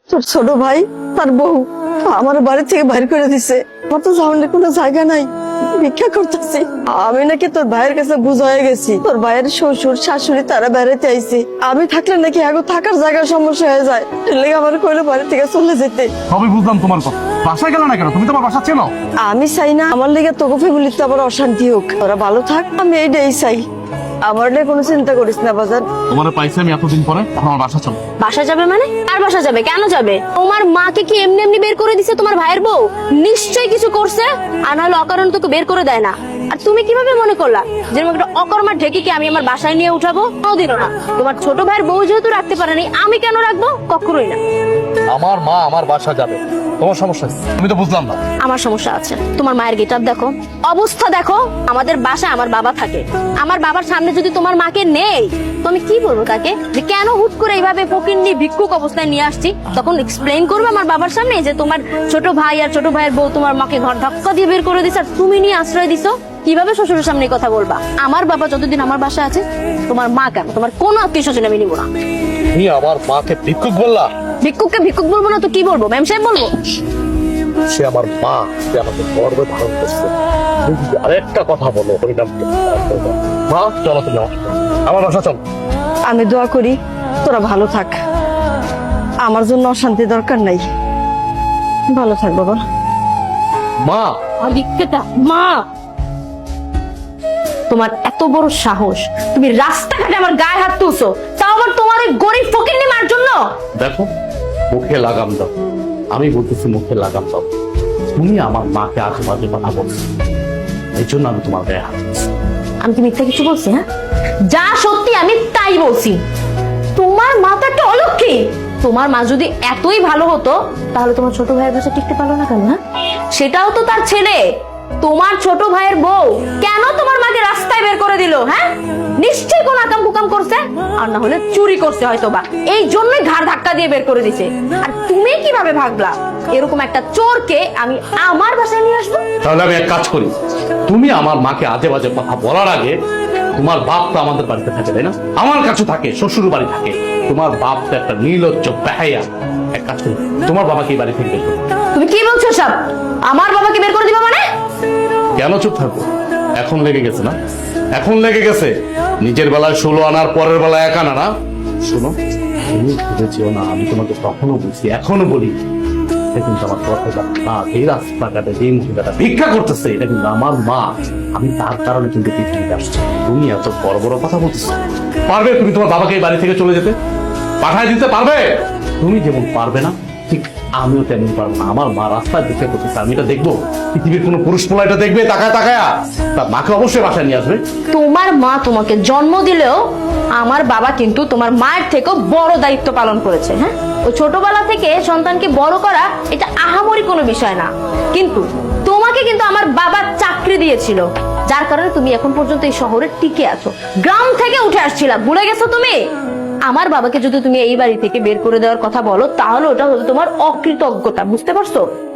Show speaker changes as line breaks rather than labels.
তোর ছোট ভাই তার বউ আমার বাড়ি থেকে বাইর করে দিছে। আমার তো যাওয়ার কোনো জায়গা নাই, ভিক্ষা করতেছি। আমি নাকি তোর ভাইয়ের কাছে বুঝ হয়ে গেছি, তোর ভাইয়ের শ্বশুর শাশুড়ি তারা বেড়াতে আইছে। আমি থাকলে নাকি আগে থাকার জায়গার সমস্যা হয়ে যায়, লেগে আমার কইলো বাড়ি থেকে চলে যেতে।
সবই বুঝলাম তোমার কথা, বাসায় গেল না কেন? তুমি তোমার বাসা চেনো?
আমি চাই না আমার লেগে তোকে ফ্যামিলিতে আবার অশান্তি হোক, ওরা ভালো থাক, আমি এইটাই চাই। আমার নিয়ে কোনো চিন্তা করিস না বাজার।
তোমার পাইছি আমি এতদিন পরে, এখন আমার বাসা চলো।
বাসা যাবে মানে? আর বাসা যাবে? কেন যাবে? তোমার মাকে কি এমনি এমনি বের করে দিছে তোমার ভাইয়ের বউ? নিশ্চয়ই কিছু করছে, আর নাহলে অকারণ তোকে বের করে দেয় না। আর তুমি কিভাবে মনে করলা যে একটা অকর্মার ঢেকিকে আমি আমার বাসায় নিয়ে উঠাবো? কোনোদিনও না। তোমার ছোট ভাইয়ের বউ যেহেতু রাখতে পারেনি, আমি কেন রাখবো? কখনোই না।
আমার মা আমার বাসা যাবে, তোমার সমস্যা কি? আমি তো বুঝলাম না।
আমার সমস্যা আছে। তোমার মায়ের গেটআপ দেখো, অবস্থা দেখো। আমাদের বাসায় আমার বাবা থাকে, আমার বাবার সামনে যদি তোমার মাকে নেই তো আমি কি বলবো তাকে যে কেন হুট করে এইভাবে ফকিন্নি ভিক্ষুক অবস্থায় নিয়ে আসছি? তখন এক্সপ্লেইন করবে আমার বাবার সামনে যে তোমার ছোট ভাই আর ছোট ভাইয়ের বউ তোমার মাকে ঘর ধাক্কা দিয়ে বের করে দিছে আর তুমি নিয়ে আশ্রয় দিছো। কিভাবে শ্বশুরের সামনে কথা বলবা? আমার বাবা যতদিন আমার বাসায় আছে, তোমার মা কেন, তোমার কোনো আত্মীয় স্বজন আমি নিবো না।
তুমি আমার মাকে ভিক্ষুক বললা?
ভিক্ষুককে ভিক্ষুক বলবো না তো কি বলবো? ম্যাম সাহেব বলবো।
সে আমার মা, সে আমাকে গর্বে ধারণ করছে। তুমি যদি আরেকটা কথা বলো হরিনাম মা, চলো তুমি আমার বাসা চলো।
আমি দোয়া করি তোরা ভালো থাক, আমার জন্য অশান্তি দরকার নাই। ভালো থাক বাবা।
মা
মা, তোমার এত বড় সাহস, তুমি রাস্তাঘাটে আমার গায়ে হাত তুলছো, তাও আবার তোমার ওই গরিব ফকিন্নি মার জন্য।
দেখো, মুখে লাগাম দাও। আমি বলতেছি মুখে লাগাম দাও। তুমি আমার মাকে আশেপাশে কথা বলছো, এই জন্য আমি তোমার গায়ে হাত দিচ্ছি।
আমি কি মিথ্যা কিছু বলছি? হ্যাঁ, যা সত্যি আমি তাই বলছি। তোমার মা তো একটা অলক্ষী। তোমার মা যদি এতই ভালো হতো তাহলে তোমার ছোট ভাইয়ের কাছে টিকতে পারলো না কেন? হ্যাঁ, সেটাও তো তার ছেলে। তোমার ছোট ভাইয়ের বউ কেন তোমার মাকে রাস্তায় বের করে দিল? হ্যাঁ, নিশ্চয়ই কোন আকাম কুকাম করছে, আর না হলে চুরি করছে হয়তো বা, এই জন্যই ঘাড় ধাক্কা দিয়ে বের করে দিছে। আর তুমি কিভাবে ভাবলা এরকম একটা চোরকে আমি আমার বাসায় নিয়ে আসবো?
তাহলে আমি এক কাজ করি, তুমি আমার মাকে আজে বাজে কথা বলার আগে, তোমার বাপ তো আমাদের বাড়িতে থাকে তাই না? আমার কাছে থাকে, শ্বশুর বাড়ি থাকে। তোমার বাপ তো একটা নির্লজ্জ বেহায়া। এক কাজ করি, তোমার বাবাকে এই বাড়ি থেকে বের করো।
তুমি কি বলছো সব? আমার বাবাকে বের করে দিবা মানে?
কেন চুপ থাকবো? এখন লেগে গেছে না? এখন লেগে গেছে। নিজের বেলায় 16 আনার, পরের বেলায় 1 আনা না। শোনো, তুমি ভেবেছিও না আমি তোমাকে কখনো বলছি, এখনো বলি, এটা কিন্তু আমার কথা না। এই রাস্তাঘাটে যে মহিলাটা ভিক্ষা করতেছে, এটা কিন্তু আমার মা। আমি তার কারণে কিন্তু পৃথিবীতে আসছি। তুমি এত বড় বড় কথা বলতেছো। পারবে তুমি তোমার বাবাকে এই বাড়ি থেকে চলে যেতে? পাঠায় দিতে পারবে? তুমি যেমন পারবে না, ঠিক আমিও তেমন পারবো না। আমার মা রাস্তায় ভিক্ষা করতেছে, আমি এটা দেখবো? পৃথিবীর কোনো পুরুষ পোলা এটা দেখবে তাকায় তাকায়া? তার মাকে অবশ্যই বাসায় নিয়ে আসবে।
তোমার মা তোমাকে জন্ম দিলেও আমার বাবা কিন্তু তোমার মায়ের থেকেও বড় দায়িত্ব পালন করেছে। হ্যাঁ, ওই ছোটবেলা থেকে সন্তানকে বড় করা এটা আহামরি কোনো বিষয় না, কিন্তু তোমাকে কিন্তু আমার বাবা চাকরি দিয়েছিল, যার কারণে তুমি এখন পর্যন্ত এই শহরে টিকে আছো। গ্রাম থেকে উঠে আসছিলা, ভুলে গেছো তুমি? আমার বাবাকে যদি তুমি এই বাড়ি থেকে বের করে দেওয়ার কথা বলো তাহলে ওটা হলো তোমার অকৃতজ্ঞতা, বুঝতে পারছো?